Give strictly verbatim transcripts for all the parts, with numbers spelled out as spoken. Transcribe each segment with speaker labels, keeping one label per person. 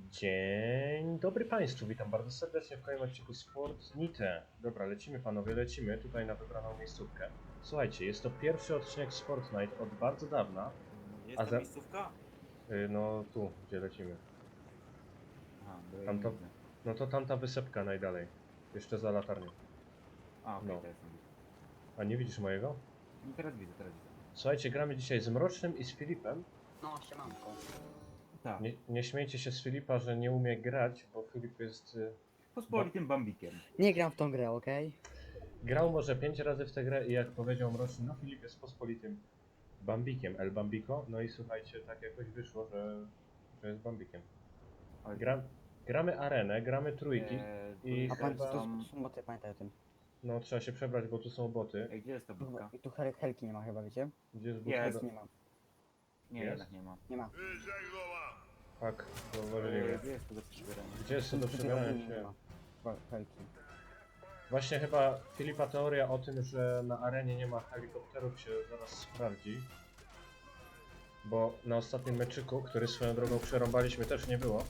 Speaker 1: Dzień dobry Państwu, witam bardzo serdecznie w kolejnym odcinku Sportnite. Dobra, lecimy panowie, lecimy tutaj na wybraną miejscówkę. Słuchajcie, jest to pierwszy odcinek Sportnite od bardzo dawna.
Speaker 2: Jest
Speaker 1: A
Speaker 2: ta
Speaker 1: za...
Speaker 2: miejscówka?
Speaker 1: Yy, no tu, gdzie lecimy.
Speaker 2: Aha, bo ja nie
Speaker 1: Tamta...
Speaker 2: widzę.
Speaker 1: No to tamta wysepka najdalej. Jeszcze za latarnią.
Speaker 2: A, okej,
Speaker 1: No.
Speaker 2: teraz nie widzę.
Speaker 1: A nie widzisz mojego?
Speaker 2: No teraz widzę, teraz widzę.
Speaker 1: Słuchajcie, gramy dzisiaj z Mrocznym i z Filipem.
Speaker 3: No, siemanko.
Speaker 2: Tak,
Speaker 1: Nie, nie śmiejcie się z Filipa, że nie umie grać, bo Filip jest... Yy...
Speaker 2: pospolitym bambikiem.
Speaker 3: Nie gram w tą grę, okej?
Speaker 1: Grał może pięć razy w tę grę i jak powiedział Mroczny, no Filip jest pospolitym Bambikiem, El Bambiko. No i słuchajcie, tak jakoś wyszło, że, że jest Bambikiem.
Speaker 2: Oj,
Speaker 1: Gra, gramy arenę, gramy trójki
Speaker 2: eee, tu
Speaker 1: i
Speaker 3: A pan,
Speaker 2: chyba-
Speaker 3: to
Speaker 1: chyba...
Speaker 3: są boty, pamiętaj o tym.
Speaker 1: No trzeba się przebrać, bo tu są boty.
Speaker 2: Ej, gdzie jest ta budka?
Speaker 3: I tu hel helki nie ma chyba, wiecie?
Speaker 1: Gdzie jest
Speaker 2: Jest.
Speaker 1: budka?
Speaker 3: Nie ma,
Speaker 2: Nie,
Speaker 1: Jest?
Speaker 2: jednak nie ma.
Speaker 3: nie ma.
Speaker 1: Tak,
Speaker 2: Eee,
Speaker 1: zauważyliśmy.
Speaker 2: Gdzie jest to do przybierania?
Speaker 1: Gdzie jest to do
Speaker 3: Tutaj
Speaker 1: przebierania
Speaker 3: ogólnie nie
Speaker 1: się?
Speaker 3: ma. Chyba helki.
Speaker 1: Właśnie chyba Filipa teoria o tym, że na arenie nie ma helikopterów się zaraz sprawdzi. Bo na ostatnim meczyku, który swoją drogą przerąbaliśmy, też nie było.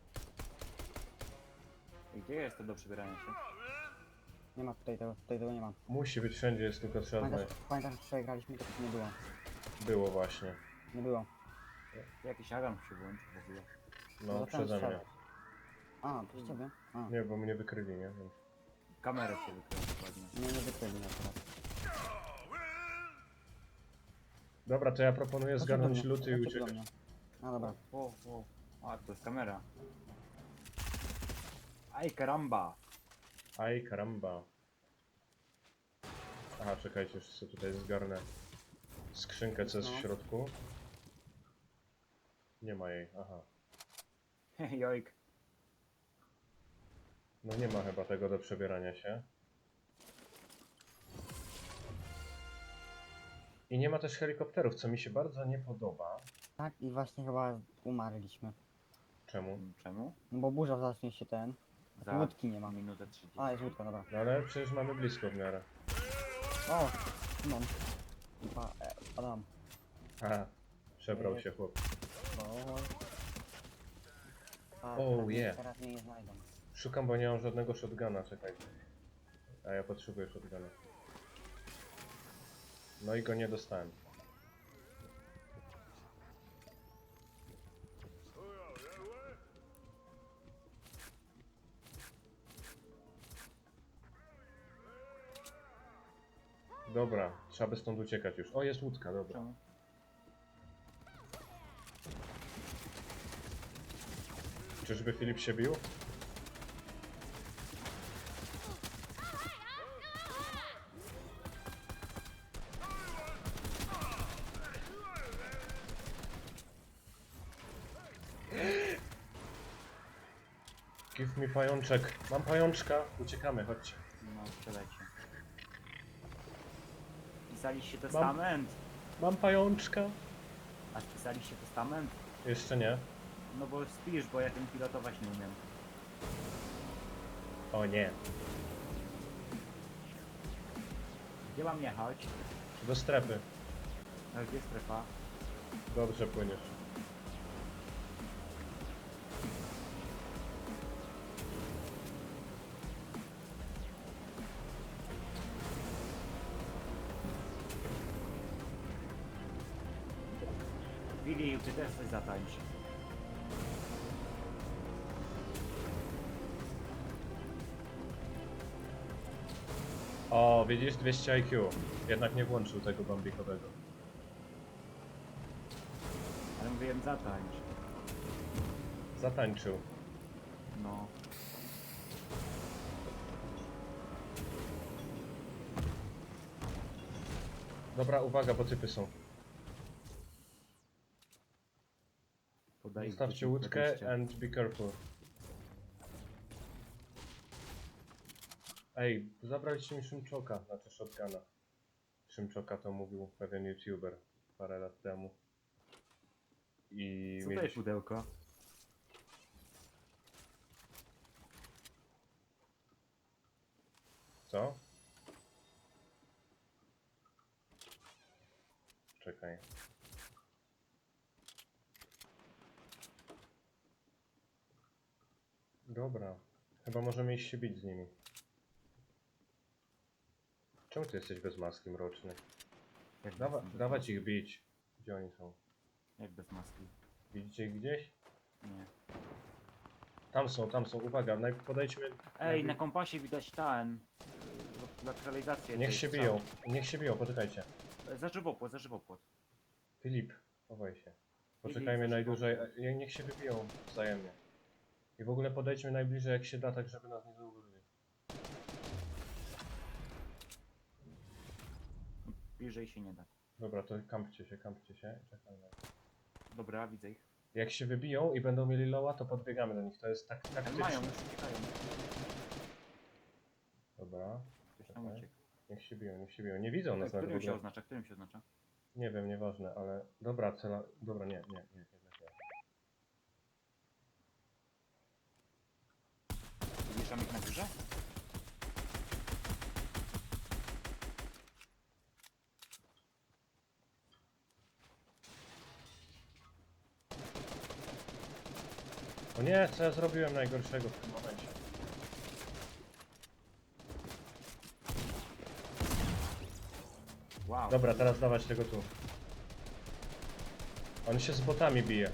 Speaker 2: Ej, gdzie jest to do przybierania się?
Speaker 3: Nie ma tutaj tego, tutaj tego nie ma.
Speaker 1: Musi być wszędzie, jest tylko trzeba
Speaker 3: Pamiętasz,
Speaker 1: znaleźć.
Speaker 3: pamiętasz, że wczoraj graliśmy, to nie było.
Speaker 1: Było właśnie.
Speaker 3: Nie było.
Speaker 2: Jakiś alarm się włączył w ogóle.
Speaker 1: No,
Speaker 3: Zacząłem
Speaker 1: przeze mnie.
Speaker 3: strzelać. A, to z ciebie? A,
Speaker 1: Nie, bo mnie wykryli, nie? Więc...
Speaker 2: Kamerę się wykryła dokładnie.
Speaker 3: nie, nie wykryli na teraz.
Speaker 1: Dobra, to ja proponuję
Speaker 3: Chodźcie
Speaker 1: zgarnąć
Speaker 3: do mnie,
Speaker 1: luty i
Speaker 3: chodźcie do
Speaker 1: uciekać.
Speaker 3: mnie. No dobra.
Speaker 2: O, o. A, to jest kamera. Aj, karamba!
Speaker 1: Aj, karamba. Aha, czekajcie, jeszcze sobie tutaj zgarnę skrzynkę, co jest w
Speaker 3: No.
Speaker 1: środku. Nie ma jej, aha.
Speaker 2: Jojk.
Speaker 1: No nie ma chyba tego do przebierania się. I nie ma też helikopterów, co mi się bardzo nie podoba.
Speaker 3: Tak, i właśnie chyba umarliśmy.
Speaker 1: Czemu?
Speaker 2: Czemu?
Speaker 3: No bo burza zacznie się ten. A tu łódki nie ma.
Speaker 2: minutę trzydzieści.
Speaker 3: A, jest łódka, dobra.
Speaker 1: No ale przecież mamy blisko w miarę.
Speaker 3: O, mam. Chyba, e, Adam.
Speaker 1: Aha, przebrał się chłop.
Speaker 3: O, a,
Speaker 1: Oh,
Speaker 3: teraz, mnie-
Speaker 1: yeah.
Speaker 3: teraz mnie nie znajdą.
Speaker 1: Szukam, bo nie mam żadnego shotguna, czekajcie. A ja potrzebuję shotguna. No i go nie dostałem. Dobra, trzeba by stąd uciekać już. O, jest łódka, dobra.
Speaker 2: Czemu?
Speaker 1: Czyżby Filip się bił? Give mi pajączek. Mam pajączka. Uciekamy, chodźcie.
Speaker 2: No, przelecie. Pisaliście testament?
Speaker 1: Mam pajączka.
Speaker 2: A spisaliście testament?
Speaker 1: Jeszcze nie.
Speaker 2: No bo spisz, bo ja tym pilotować nie umiem.
Speaker 1: O nie.
Speaker 2: Gdzie mam jechać?
Speaker 1: Do strefy.
Speaker 2: A gdzie strefa?
Speaker 1: Dobrze płyniesz.
Speaker 2: Willi, ty też coś zatańcz.
Speaker 1: O, widzisz? dwieście I Q. Jednak nie włączył tego bambikowego.
Speaker 2: Ale mówiłem zatańcz.
Speaker 1: Zatańczył.
Speaker 2: No.
Speaker 1: Dobra, uwaga, bo typy są.
Speaker 2: Podaj
Speaker 1: Zostawcie łódkę and be careful. Ej, zabraliście mi szymczoka, znaczy shotguna. Szymczoka to mówił pewien youtuber parę lat temu. I
Speaker 2: Co to jest
Speaker 1: mieliśmy...
Speaker 2: pudełko?
Speaker 1: Co? Czekaj. Dobra. Chyba możemy iść się bić z nimi. Czemu ty jesteś bez maski, mroczny?
Speaker 2: Jak
Speaker 1: Dawa,
Speaker 2: bez-
Speaker 1: dawać ich bić. Gdzie oni są?
Speaker 2: Jak bez maski?
Speaker 1: Widzicie ich gdzieś?
Speaker 2: Nie.
Speaker 1: Tam są, tam są. Uwaga, naj- podejdźmy.
Speaker 2: Ej,
Speaker 1: najpierw-
Speaker 2: na kompasie widać ten... Lateralizację.
Speaker 1: Niech
Speaker 2: tej
Speaker 1: się
Speaker 2: strzały.
Speaker 1: biją. Niech się biją, poczekajcie.
Speaker 2: E, Za żywopłot, za żywopłot.
Speaker 1: Filip, chowaj się. Poczekajmy
Speaker 2: Filip,
Speaker 1: najdłużej.
Speaker 2: zaczynamy.
Speaker 1: e, Niech się wybiją wzajemnie. I w ogóle podejdźmy najbliżej jak się da, tak żeby nas nie zauważyli.
Speaker 2: Bliżej się nie da.
Speaker 1: Dobra, to kampcie się, kampcie się. Czekamy.
Speaker 2: Dobra, widzę ich.
Speaker 1: Jak się wybiją i będą mieli loła, to podbiegamy do nich. To jest tak
Speaker 2: Ale
Speaker 1: taktyczne.
Speaker 2: mają, już uciekają.
Speaker 1: Dobra,
Speaker 2: Ktoś tam
Speaker 1: Czekaj.
Speaker 2: uciekł.
Speaker 1: niech się biją, niech się biją. Nie widzą nas nawet w
Speaker 2: Którym się
Speaker 1: ogóle.
Speaker 2: oznacza? Którym się oznacza?
Speaker 1: Nie wiem, nieważne, ale... Dobra, cela... Dobra, nie, nie, nie, jednak nie.
Speaker 2: Zwieszam ich na górze?
Speaker 1: O nie, co ja zrobiłem najgorszego w tym momencie?
Speaker 2: Wow.
Speaker 1: Dobra, teraz dawać tego tu. On się z botami bije.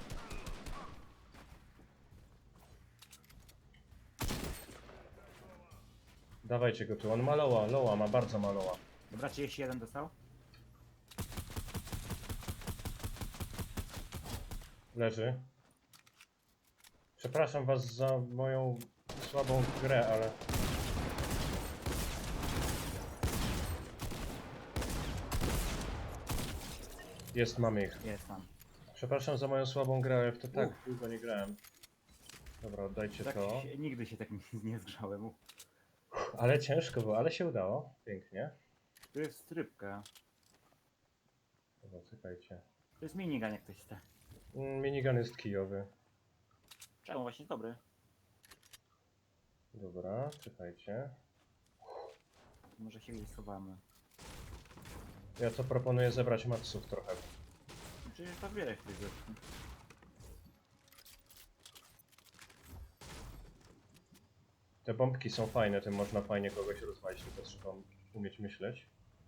Speaker 1: Dawajcie go tu, on ma loła, loła, ma bardzo ma loła.
Speaker 2: Dobra, trzydzieści jeden dostał?
Speaker 1: Leży. Przepraszam was za moją słabą grę, ale... Jest, mamy ich.
Speaker 2: Jest tam.
Speaker 1: Przepraszam za moją słabą grę, ale w to tak
Speaker 2: Uff.
Speaker 1: długo nie grałem. Dobra, oddajcie
Speaker 2: Tak
Speaker 1: to.
Speaker 2: się, nigdy się tak nie, nie zgrzałem.
Speaker 1: Ale ciężko było, ale się udało. Pięknie.
Speaker 2: Tu jest strybka.
Speaker 1: Dobra, czekajcie.
Speaker 2: To jest minigun jak ktoś chce.
Speaker 1: Mm, Minigun jest kijowy.
Speaker 2: Czemu? Właśnie dobry.
Speaker 1: Dobra, czekajcie.
Speaker 2: Może się gdzieś schowamy.
Speaker 1: Ja co proponuję zebrać matsów trochę.
Speaker 2: Przecież to wiele w tej rzeczy.
Speaker 1: Te bombki są fajne, tym można fajnie kogoś rozwalić, tylko trzeba umieć myśleć.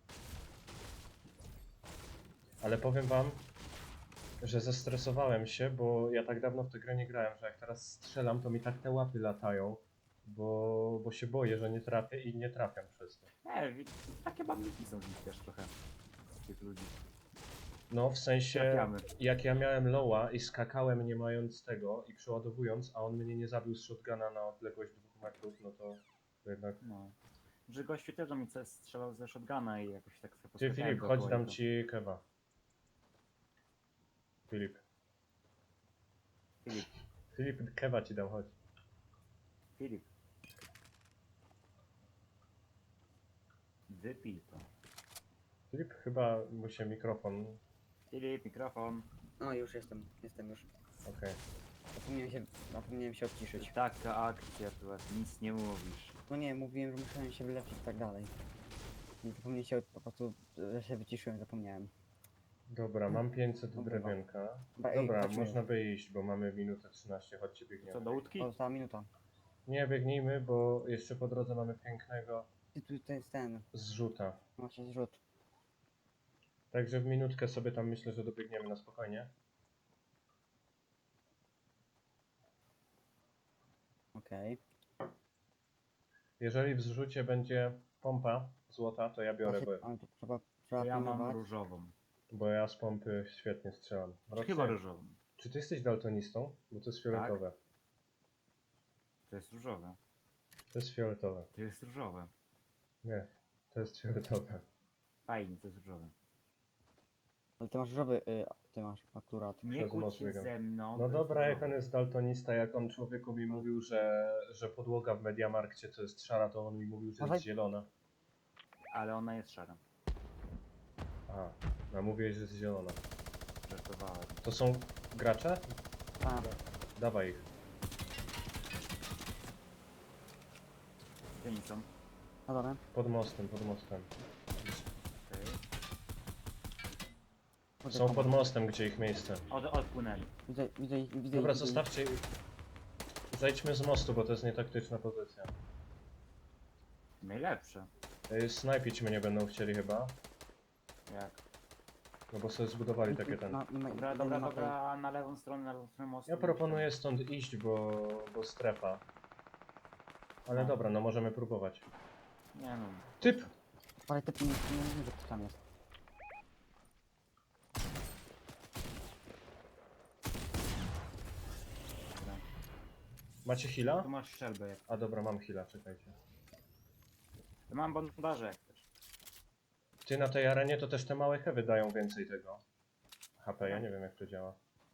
Speaker 1: Ale powiem wam, że zestresowałem się, bo ja tak dawno w tę grę nie grałem, że jak teraz strzelam, to mi tak te łapy latają, bo, bo się boję, że nie trafię i nie trafiam przez to.
Speaker 2: Nie, wi- takie bandiki są z nich też trochę. Z tych ludzi.
Speaker 1: No, w sensie,
Speaker 2: Trafiamy.
Speaker 1: jak ja miałem loła i skakałem nie mając tego i przeładowując, a on mnie nie zabił z shotguna na odległość dwóch metrów, no to, to jednak...
Speaker 2: No. Że gościu też do mnie coś strzelał ze shotguna i jakoś tak sobie
Speaker 1: Ty
Speaker 2: poskakałem
Speaker 1: Filip,
Speaker 2: dookoła
Speaker 1: chodź dam
Speaker 2: jego.
Speaker 1: ci kewa. Filip.
Speaker 2: Filip,
Speaker 1: Filip, kewa ci dam, chodź.
Speaker 2: Filip. Wypij to.
Speaker 1: Filip, chyba mu się mikrofon...
Speaker 2: Filip, mikrofon.
Speaker 3: No już jestem, jestem już.
Speaker 1: Okej.
Speaker 3: Zapomniałem się, zapomniałem się odciszyć.
Speaker 2: Taka akcja, tu nic nie mówisz.
Speaker 3: No nie, mówiłem, że musiałem się wyleczyć i tak dalej. I zapomniałem się, po prostu, że się wyciszyłem, zapomniałem.
Speaker 1: Dobra, mam pięćset
Speaker 3: Dobra.
Speaker 1: drewienka.
Speaker 3: Ba- ej,
Speaker 1: Dobra,
Speaker 3: chodźmy.
Speaker 1: można by iść, bo mamy minutę trzynaście, chodźcie
Speaker 2: Co,
Speaker 1: biegniemy.
Speaker 2: do łódki?
Speaker 3: O, została minuta.
Speaker 1: Nie, biegnijmy, bo jeszcze po drodze mamy pięknego
Speaker 3: I tu to jest ten,
Speaker 1: zrzuta.
Speaker 3: macie zrzut.
Speaker 1: Także w minutkę sobie tam myślę, że dobiegniemy na spokojnie.
Speaker 3: Okej.
Speaker 1: Jeżeli w zrzucie będzie pompa złota, to ja biorę, bo,
Speaker 3: Okay. Ale to trzeba, trzeba
Speaker 2: Ja mam
Speaker 3: pilnować.
Speaker 2: różową.
Speaker 1: bo ja z pompy świetnie strzelam. Roxy,
Speaker 2: Chyba różową.
Speaker 1: czy ty jesteś daltonistą? Bo to jest fioletowe.
Speaker 2: To jest różowe.
Speaker 1: To jest fioletowe.
Speaker 2: To jest różowe.
Speaker 1: Nie, to jest fioletowe.
Speaker 2: Fajnie, to jest różowe.
Speaker 3: Ale ty masz różowy, y, ty masz akurat.
Speaker 2: Nie
Speaker 1: Przez
Speaker 2: kłóć
Speaker 1: moc
Speaker 2: się
Speaker 1: biegam.
Speaker 2: ze mną.
Speaker 1: No
Speaker 2: to jest
Speaker 1: dobra, jak
Speaker 2: różowe.
Speaker 1: on jest daltonista, jak on człowieku mi mówił, że, że podłoga w Mediamarkcie to jest szara, to on mi mówił, że
Speaker 3: Dawaj.
Speaker 1: jest zielona.
Speaker 2: Ale ona jest szara.
Speaker 1: A, no mówiłeś, że jest zielona.
Speaker 2: Żartowałem.
Speaker 1: To są gracze?
Speaker 3: A,
Speaker 1: Dawaj ich.
Speaker 2: Gdzie oni są?
Speaker 3: no dobra.
Speaker 1: Pod mostem, pod mostem.
Speaker 2: Okej.
Speaker 3: Kurde,
Speaker 1: Są
Speaker 3: tam-
Speaker 1: pod mostem, gdzie ich miejsce.
Speaker 2: Od, odpłynęli.
Speaker 3: Widzę, widzę, ich- widzę.
Speaker 1: Dobra,
Speaker 3: ich, widzę ich.
Speaker 1: zostawcie ich. Zejdźmy z mostu, bo to jest nietaktyczna pozycja.
Speaker 2: Najlepsze.
Speaker 1: Y, Snajpić mnie będą chcieli chyba.
Speaker 2: Jak?
Speaker 1: No bo sobie zbudowali takie ten.
Speaker 3: Ma- ma-
Speaker 2: Dobra,
Speaker 3: jeden
Speaker 2: dobra,
Speaker 3: ma tej-
Speaker 2: dobra, na lewą stronę, na lewą stronę mostu.
Speaker 1: Ja proponuję stąd iść, bo, bo strefa. Ale
Speaker 2: No.
Speaker 1: dobra, no możemy próbować.
Speaker 2: Nie no.
Speaker 1: Typ!
Speaker 3: Ale typ nie, nie wiem, że to tam jest.
Speaker 2: Dobra.
Speaker 1: Macie heala?
Speaker 2: Tu masz strzelbę jak.
Speaker 1: A dobra, mam heala, czekajcie.
Speaker 2: Mam bandaże jak też.
Speaker 1: Ty na tej arenie to też te małe heavy dają więcej tego. H P, ja nie wiem jak to działa.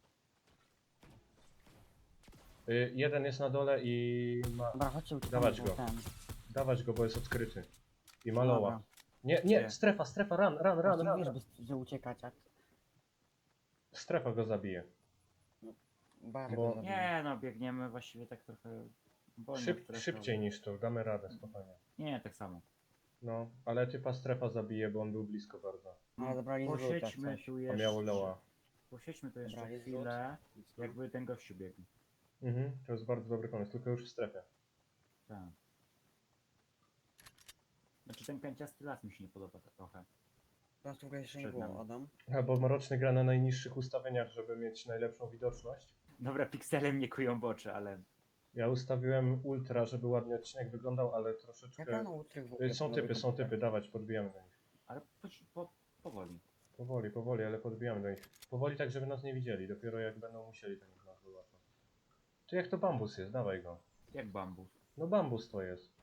Speaker 1: Y, jeden jest na dole i ma...
Speaker 3: Dobra, chodźcie uciekamy,
Speaker 1: Dawać
Speaker 3: bo
Speaker 1: go.
Speaker 3: ten...
Speaker 1: Dawać go, bo jest odkryty. I maloła.
Speaker 3: Dobra.
Speaker 1: Nie, nie,
Speaker 2: Gdzie?
Speaker 1: strefa, strefa, run, run, run,
Speaker 3: Run,
Speaker 1: run.
Speaker 3: wiesz,
Speaker 1: run.
Speaker 3: by- że uciekać jak...
Speaker 1: Strefa go zabije.
Speaker 3: Bardzo
Speaker 1: Bo-
Speaker 3: go zabiję.
Speaker 2: Nie no, biegniemy właściwie tak trochę wolno.
Speaker 1: Szyb,
Speaker 2: stresowo.
Speaker 1: szybciej niż to, damy radę, spokojnie.
Speaker 2: Nie, tak samo.
Speaker 1: No, ale typa strefa zabije, bo on był blisko bardzo.
Speaker 3: No, ale zabrali z lód, jak
Speaker 2: Posiedźmy
Speaker 3: coś.
Speaker 2: tu
Speaker 1: A
Speaker 2: jeszcze.
Speaker 1: miał loa.
Speaker 2: Posiedźmy tu jeszcze
Speaker 3: Dobra, jest
Speaker 2: chwilę, jakby ten gościu biegł.
Speaker 1: Mhm, to jest bardzo dobry pomysł, tylko już w strefie.
Speaker 2: Tak. Znaczy ten pięciasty las mi się nie podoba tak trochę.
Speaker 3: Teraz tu jeszcze nie
Speaker 2: Przed
Speaker 3: było,
Speaker 2: nami.
Speaker 3: Adam.
Speaker 1: A bo Mroczny gra na najniższych ustawieniach, żeby mieć najlepszą widoczność.
Speaker 2: Dobra, piksele mnie kują w oczy, ale...
Speaker 1: Ja ustawiłem ultra, żeby ładnie odcinek wyglądał, ale
Speaker 3: Jak
Speaker 1: troszeczkę...
Speaker 3: rano utrych w ogóle
Speaker 1: Y, Są
Speaker 3: panowie
Speaker 1: typy, są
Speaker 3: komputer?
Speaker 1: typy, dawać, podbijamy do nich.
Speaker 2: Ale po, po, powoli.
Speaker 1: Powoli, powoli, ale podbijamy do nich. Powoli tak, żeby nas nie widzieli, dopiero jak będą musieli, to niech nas wyłapą. Ty jak to bambus jest, dawaj go.
Speaker 2: Jak bambus.
Speaker 1: No bambus to jest.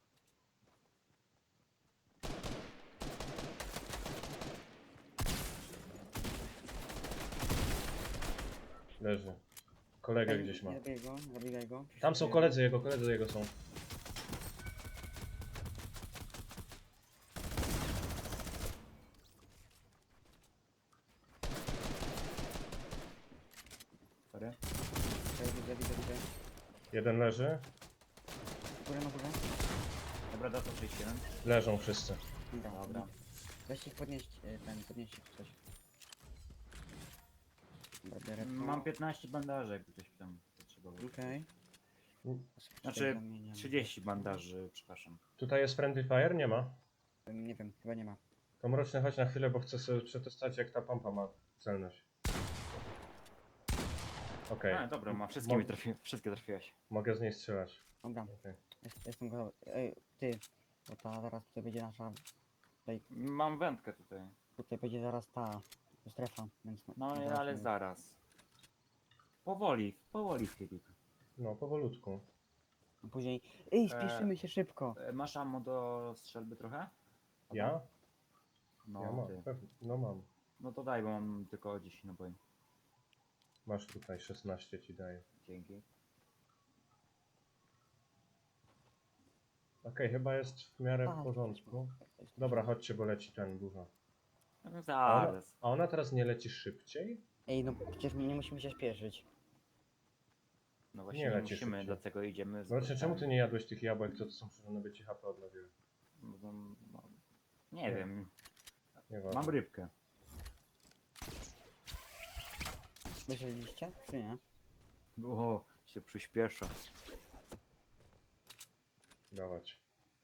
Speaker 1: Leży. Kolegę
Speaker 3: Ej,
Speaker 1: gdzieś ma.
Speaker 3: Nie zabijaj go, nie zabijaj go.
Speaker 1: Tam są koledzy jego, koledzy jego są.
Speaker 2: Sorry.
Speaker 3: Okej, widzę, widzę, widzę.
Speaker 1: Jeden leży.
Speaker 3: Górę na górę.
Speaker 2: Dobra, data sześćdziesiąt jeden.
Speaker 1: Leżą wszyscy.
Speaker 3: Dobra,
Speaker 2: Dobra.
Speaker 3: weź ich podnieść, e, ten, podnieść ich coś. Dobra, biorę to.
Speaker 2: Mam piętnaście bandaży, jakby ktoś tam potrzebował.
Speaker 3: Okej.
Speaker 2: Znaczy,
Speaker 3: Zamieniam.
Speaker 2: trzydzieści bandaży, przepraszam.
Speaker 1: Tutaj jest friendly fire? Nie ma.
Speaker 3: Nie wiem, chyba nie ma.
Speaker 1: To Mroczny chodź na chwilę, bo chcę sobie przetestować jak ta pompa ma celność. Okej,
Speaker 2: A, dobra, ma wszystkie mi
Speaker 1: Mo-
Speaker 2: trafi... wszystkie trafiłeś.
Speaker 1: mogę z niej strzelać.
Speaker 3: Dobra,
Speaker 1: Okej.
Speaker 3: jest, jestem gotowy. Ej, ty, bo ta zaraz tutaj będzie nasza,
Speaker 2: Mam wędkę tutaj.
Speaker 3: tutaj będzie zaraz ta strefa, więc...
Speaker 2: No
Speaker 3: zaraz
Speaker 2: ale
Speaker 3: mówię.
Speaker 2: zaraz. Powoli, powoli Filip.
Speaker 1: No, powolutku.
Speaker 3: Później, ej, spieszymy się szybko.
Speaker 2: E, Masz ammo do strzelby trochę?
Speaker 1: Ja?
Speaker 2: No,
Speaker 1: ja mam,
Speaker 2: ty.
Speaker 1: pewnie. No mam.
Speaker 2: No to daj, bo mam tylko dziesięć naboi.
Speaker 1: Masz tutaj szesnaście ci daję.
Speaker 2: Dzięki.
Speaker 1: Okej, chyba jest w miarę
Speaker 3: A,
Speaker 1: w porządku.
Speaker 3: to jest-
Speaker 1: Dobra, chodźcie, bo leci ten dużo.
Speaker 2: No
Speaker 1: A ona,
Speaker 2: zaraz.
Speaker 1: a ona teraz nie leci szybciej?
Speaker 3: Ej, no przecież my nie musimy się spieszyć.
Speaker 2: No
Speaker 1: Nie
Speaker 2: właśnie nie,
Speaker 1: leci
Speaker 2: musimy,
Speaker 1: szybciej.
Speaker 2: dlatego idziemy z
Speaker 1: Zobaczcie, czemu ty
Speaker 2: bossami.
Speaker 1: nie jadłeś tych jabłek, co to są przyrządy, by ci H P odnowiły?
Speaker 2: No, no, no, nie
Speaker 1: Nie.
Speaker 2: wiem,
Speaker 1: Nieważne.
Speaker 2: mam rybkę.
Speaker 3: Myśleliście, czy nie?
Speaker 2: O, się przyspiesza.
Speaker 1: Dawać.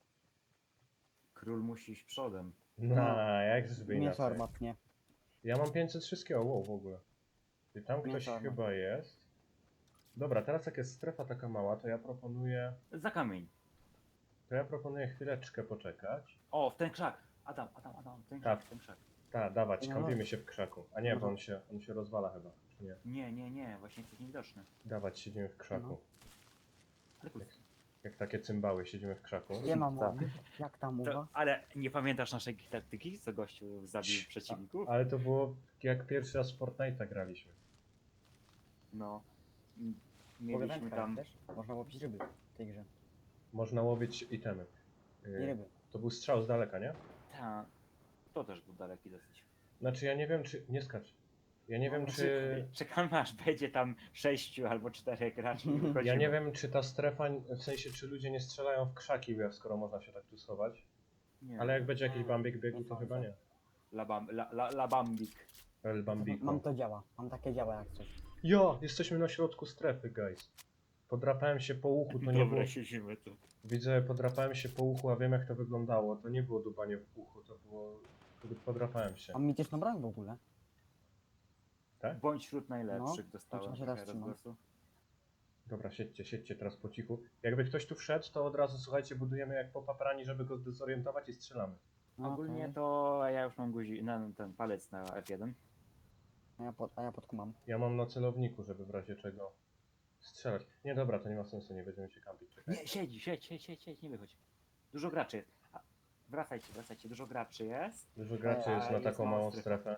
Speaker 2: Król musi iść przodem.
Speaker 1: No, jak żeby
Speaker 3: Mięso
Speaker 1: inaczej.
Speaker 3: armatnie.
Speaker 1: Ja mam pięćset wszystkiego, wow, w ogóle. I tam ktoś
Speaker 3: Mięso armatnie.
Speaker 1: chyba jest. Dobra, teraz jak jest strefa taka mała, to ja proponuję...
Speaker 2: Za kamień.
Speaker 1: To ja proponuję chwileczkę poczekać.
Speaker 2: O, w ten krzak. Adam, Adam, Adam, w ten
Speaker 1: Tak.
Speaker 2: krzak, w ten krzak.
Speaker 1: Tak, dawać,
Speaker 3: No.
Speaker 1: kąpimy się w krzaku. A nie,
Speaker 3: No
Speaker 1: bo
Speaker 3: to-
Speaker 1: on się, on się rozwala chyba, czy nie?
Speaker 2: Nie, nie, nie, właśnie jesteś niewidoczny.
Speaker 1: Dawać, siedzimy w krzaku.
Speaker 3: No.
Speaker 2: Ale kurwa.
Speaker 1: Jak takie cymbały, siedzimy w krzaku.
Speaker 3: Nie mam
Speaker 2: Tak.
Speaker 3: mowy. Jak tam
Speaker 2: To,
Speaker 3: mowa?
Speaker 2: ale nie pamiętasz naszej taktyki, co gościu zabił
Speaker 1: Cii,
Speaker 2: przeciwników?
Speaker 1: Ale to było jak pierwszy raz w Fortnite'a graliśmy.
Speaker 2: No. M-
Speaker 3: Mogę
Speaker 2: Mieliśmy
Speaker 3: wędkę
Speaker 2: tam...
Speaker 3: też? Można łowić ryby w tej grze.
Speaker 1: Można łowić itemy.
Speaker 3: Nie
Speaker 1: Yy,
Speaker 3: ryby.
Speaker 1: to był strzał z daleka, nie?
Speaker 2: Ta, to też był daleki dosyć.
Speaker 1: Znaczy ja nie wiem czy... Nie skacz. Ja nie wiem czy...
Speaker 2: Czekamy aż będzie tam sześciu albo czterech graczy i wychodzimy.
Speaker 1: Ja nie wiem czy ta strefa, w sensie czy ludzie nie strzelają w krzaki, skoro można się tak tu schować.
Speaker 2: Nie.
Speaker 1: Ale jak będzie jakiś bambik biegł,
Speaker 3: Nie
Speaker 1: to
Speaker 3: sądzę.
Speaker 1: chyba nie.
Speaker 2: La, bam, la, la, la Bambik.
Speaker 1: El Bambiko.
Speaker 3: Mam to działa. Mam takie działa jak coś.
Speaker 1: Jo, jesteśmy na środku strefy, guys. Podrapałem się po uchu, to nie było...
Speaker 2: Dobra, siedzimy tu.
Speaker 1: Widzę, podrapałem się po uchu, a wiem jak to wyglądało. To nie było dubanie w uchu, to było... Podrapałem się.
Speaker 3: A mityczną broń w ogóle.
Speaker 1: Tak?
Speaker 2: Bądź wśród najlepszych,
Speaker 3: No,
Speaker 2: dostałem
Speaker 3: to się raz
Speaker 2: trochę
Speaker 3: trzymam.
Speaker 2: rozgłosu.
Speaker 1: Dobra, siedźcie, siedźcie teraz po cichu. Jakby ktoś tu wszedł, to od razu, słuchajcie, budujemy jak po paprani, żeby go zdezorientować i strzelamy.
Speaker 3: No,
Speaker 2: Ogólnie
Speaker 3: okej.
Speaker 2: to ja już mam guzi na ten palec na F jeden.
Speaker 3: A ja, pod, a ja podkumam.
Speaker 1: Ja mam na celowniku, żeby w razie czego strzelać. Nie, dobra, to nie ma sensu, nie będziemy się kampić. Czekaj.
Speaker 2: Nie, siedź, siedź, siedź, siedź, siedź, nie wychodź. Dużo graczy jest. A, wracajcie, wracajcie, dużo graczy jest.
Speaker 1: Dużo graczy
Speaker 2: A,
Speaker 1: jest na
Speaker 2: jest
Speaker 1: taką
Speaker 2: mała
Speaker 1: małą
Speaker 2: strefa.
Speaker 1: strefę.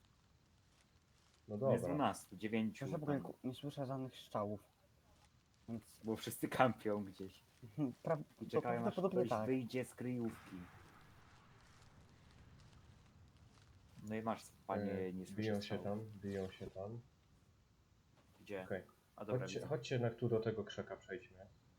Speaker 1: No
Speaker 2: Jest
Speaker 1: dobra.
Speaker 2: dwunastu, dziewięciu,
Speaker 3: Ja w ogóle ku- nie słyszę żadnych strzałów. Więc
Speaker 2: bo wszyscy kampią gdzieś.
Speaker 3: pra,
Speaker 2: I
Speaker 3: to
Speaker 2: czekają aż
Speaker 3: prawdopodobnie
Speaker 2: ktoś
Speaker 3: tak.
Speaker 2: wyjdzie z kryjówki. No i masz, panie,
Speaker 1: E,
Speaker 2: nie słyszę
Speaker 1: Biją się
Speaker 2: strzału.
Speaker 1: tam, biją się tam.
Speaker 2: Gdzie?
Speaker 1: Okej.
Speaker 2: A dobra,
Speaker 1: Chodźcie,
Speaker 2: widzę.
Speaker 1: chodźcie jednak tu do tego krzaka przejdźmy.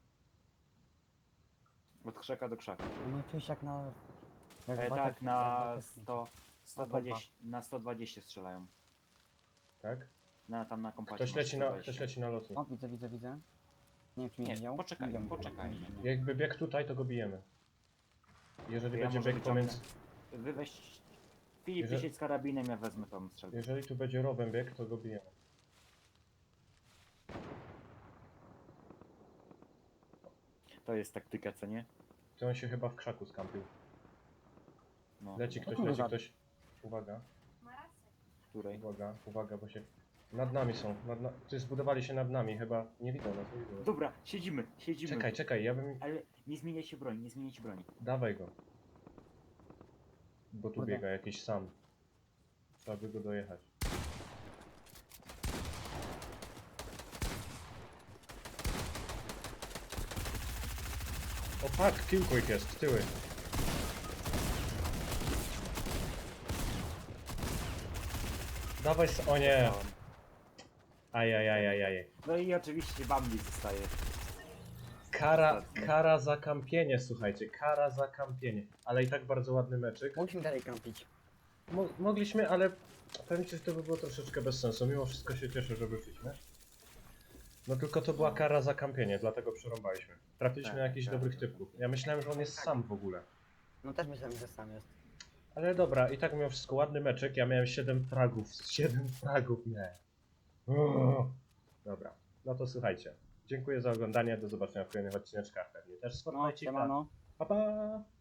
Speaker 2: Od krzaka do krzaka.
Speaker 3: No czuć jak na... Jak
Speaker 2: E,
Speaker 3: w
Speaker 2: tak,
Speaker 3: Battlefield-
Speaker 2: na
Speaker 3: Battlefield.
Speaker 2: sto, sto dwadzieścia, na sto dwadzieścia strzelają.
Speaker 1: Tak?
Speaker 2: Na, tam na kompacie.
Speaker 1: Ktoś
Speaker 2: masz
Speaker 1: leci na,
Speaker 2: sto dwadzieścia.
Speaker 1: ktoś leci na lotni.
Speaker 3: O, widzę, widzę, widzę. Nie wiem, czy mnie
Speaker 2: Nie,
Speaker 3: widział.
Speaker 2: poczekaj,
Speaker 3: Widział mnie.
Speaker 2: poczekaj.
Speaker 1: Jakby biegł tutaj, to go bijemy. Jeżeli
Speaker 2: To ja
Speaker 1: będzie
Speaker 2: może
Speaker 1: bieg pomiędzy...
Speaker 2: Wy weź... Filip,
Speaker 1: Jeżeli-
Speaker 2: ty siedź z karabinem, ja wezmę tą strzelbę.
Speaker 1: Jeżeli tu będzie rowem bieg, to go bijemy.
Speaker 2: To jest taktyka, co nie?
Speaker 1: To on się chyba w krzaku skampił.
Speaker 2: No,
Speaker 1: Leci ktoś,
Speaker 3: kurde,
Speaker 1: leci
Speaker 3: za-
Speaker 1: ktoś. Uwaga,
Speaker 2: której?
Speaker 1: uwaga, uwaga, bo się... Nad nami są, nad na... Ty zbudowali się nad nami, chyba nie widzą nas, nie widzą nas.
Speaker 2: Dobra, siedzimy, siedzimy.
Speaker 1: Czekaj, czekaj, ja bym...
Speaker 2: Ale nie zmieniajcie broni, nie zmieniajcie broni.
Speaker 1: Dawaj go. Bo tu
Speaker 3: Kurde.
Speaker 1: biega jakiś sam. Trzeba by go dojechać. O fuck, killquick jest, tyły. Dawaj s... O nie!
Speaker 2: Dostałem.
Speaker 1: Ajajajajaj.
Speaker 2: No i oczywiście Bambi zostaje.
Speaker 1: Kara,
Speaker 2: Ostatni.
Speaker 1: kara za kampienie, słuchajcie, kara za kampienie. Ale i tak bardzo ładny meczyk.
Speaker 3: Musimy dalej kampić.
Speaker 1: Mo mogliśmy, ale powiem ci, że to by było troszeczkę bez sensu. Mimo wszystko się cieszę, że wyszliśmy. No tylko to była kara za kampienie, dlatego przerąbaliśmy. Trafiliśmy
Speaker 2: Tak,
Speaker 1: na jakichś
Speaker 2: tak,
Speaker 1: dobrych
Speaker 2: tak.
Speaker 1: typów. Ja myślałem, że on jest sam w ogóle.
Speaker 3: No też myślałem, że sam jest.
Speaker 1: Ale dobra, i tak mimo wszystko ładny meczek. Ja miałem siedem fragów. siedem fragów miałem. Uuu. Dobra, no to słuchajcie. Dziękuję za oglądanie, do zobaczenia w kolejnych odcineczkach. Pewnie też z
Speaker 3: No,
Speaker 1: Fortnite'ika.
Speaker 3: siemano.
Speaker 1: Pa pa!